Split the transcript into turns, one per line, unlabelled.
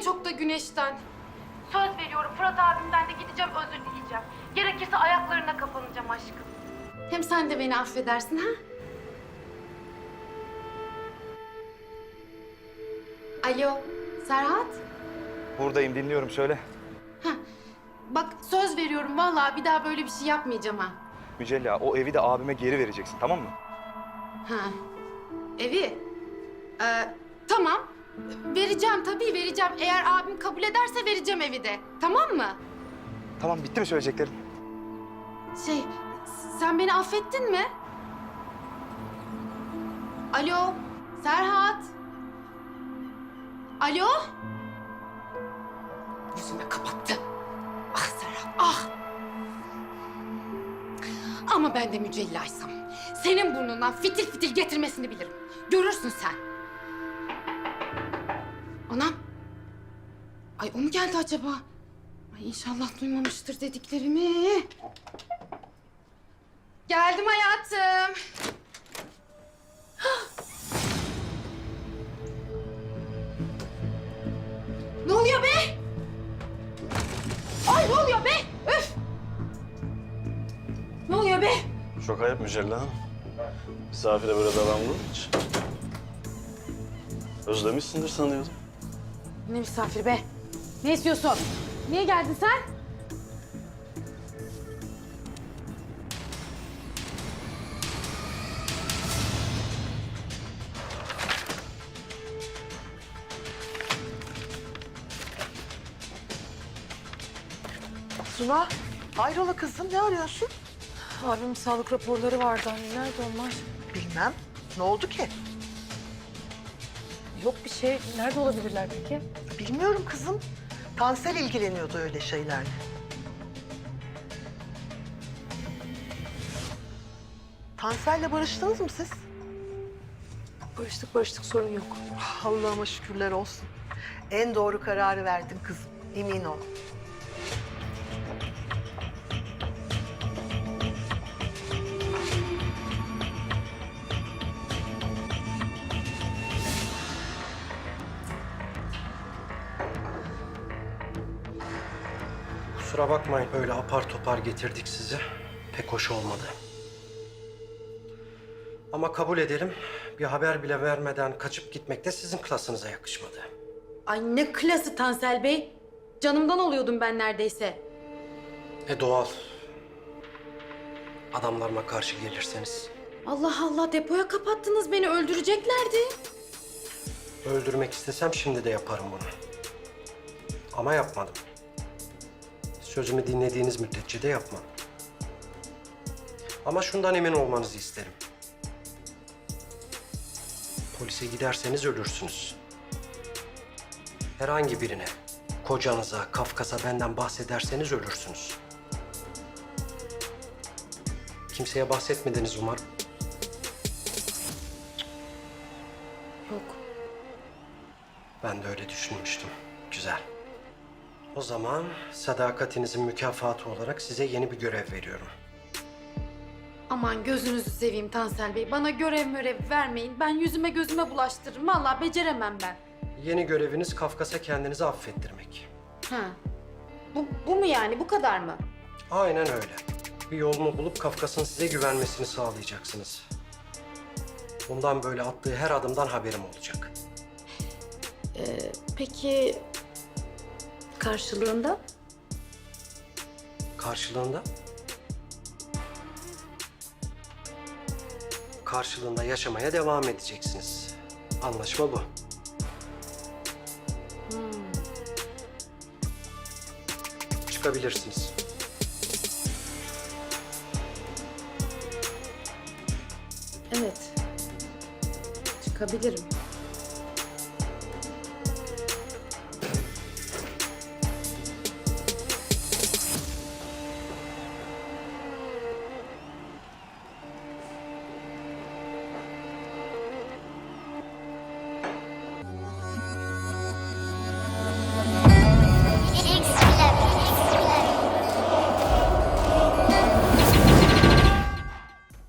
çok da güneşten. Söz veriyorum Fırat abimden de gideceğim, özür dileyeceğim. Gerekirse ayaklarına kapanacağım aşkım. Hem sen de beni affedersin ha? Alo, Serhat?
Buradayım, dinliyorum, söyle.
Heh, bak söz veriyorum vallahi bir daha böyle bir şey yapmayacağım ha.
Mücella, o evi de abime geri vereceksin, tamam mı?
Ha, evi? Tamam. Vereceğim tabii vereceğim. Eğer abim kabul ederse vereceğim evi de. Tamam mı?
Tamam, bitti mi söyleyeceklerin?
Şey, sen beni affettin mi? Alo, Serhat? Alo? Yüzüme kapattı. Ah Serhat, ah! Ama ben de Mücellaysam senin burnundan fitil fitil getirmesini bilirim. Görürsün sen. Anam. Ay o mu geldi acaba? Ay inşallah duymamıştır dediklerimi. Geldim hayatım. Ne oluyor be? Ay ne oluyor be? Üf! Ne oluyor be?
Çok ayıp Mücella Hanım. Misafire böyle davranılır mı hiç? Özlemişsindir sanıyordum.
Ne misafir be? Ne istiyorsun? Niye geldin sen?
Suna, hayrola kızım, ne arıyorsun?
Abimin sağlık raporları vardı anne. Nerede onlar?
Bilmem. Ne oldu ki?
Yok bir şey. Nerede olabilirler peki?
Bilmiyorum kızım. Tansel ilgileniyordu öyle şeylerle. Tansel'le barıştınız mı siz?
Barıştık sorun yok.
Allah'ıma şükürler olsun. En doğru kararı verdin kızım, emin ol.
Kusura bakmayın öyle apar topar getirdik sizi. Pek hoş olmadı. Ama kabul edelim, bir haber bile vermeden kaçıp gitmek de sizin klasınıza yakışmadı.
Ay ne klası Tansel Bey. Canımdan oluyordum ben neredeyse.
Doğal. Adamlarıma karşı gelirseniz.
Allah Allah depoya kapattınız beni öldüreceklerdi.
Öldürmek istesem şimdi de yaparım bunu. Ama yapmadım. Sözümü dinlediğiniz müddetçe de yapmam. Ama şundan emin olmanızı isterim. Polise giderseniz ölürsünüz. Herhangi birine, kocanıza, Kafkas'a benden bahsederseniz ölürsünüz. Kimseye bahsetmediniz umarım.
Yok.
Ben de öyle düşünmüştüm. Güzel. O zaman sadakatinizin mükafatı olarak size yeni bir görev veriyorum.
Aman gözünüzü seveyim Tansel Bey. Bana görev vermeyin. Ben yüzüme gözüme bulaştırırım. Vallahi beceremem ben.
Yeni göreviniz Kafkas'a kendinizi affettirmek.
Ha. Bu mu yani? Bu kadar mı?
Aynen öyle. Bir yolunu bulup Kafkas'ın size güvenmesini sağlayacaksınız. Bundan böyle attığı her adımdan haberim olacak.
Peki karşılığında?
Karşılığında? Karşılığında yaşamaya devam edeceksiniz. Anlaşma bu. Çıkabilirsiniz.
Evet. Çıkabilirim.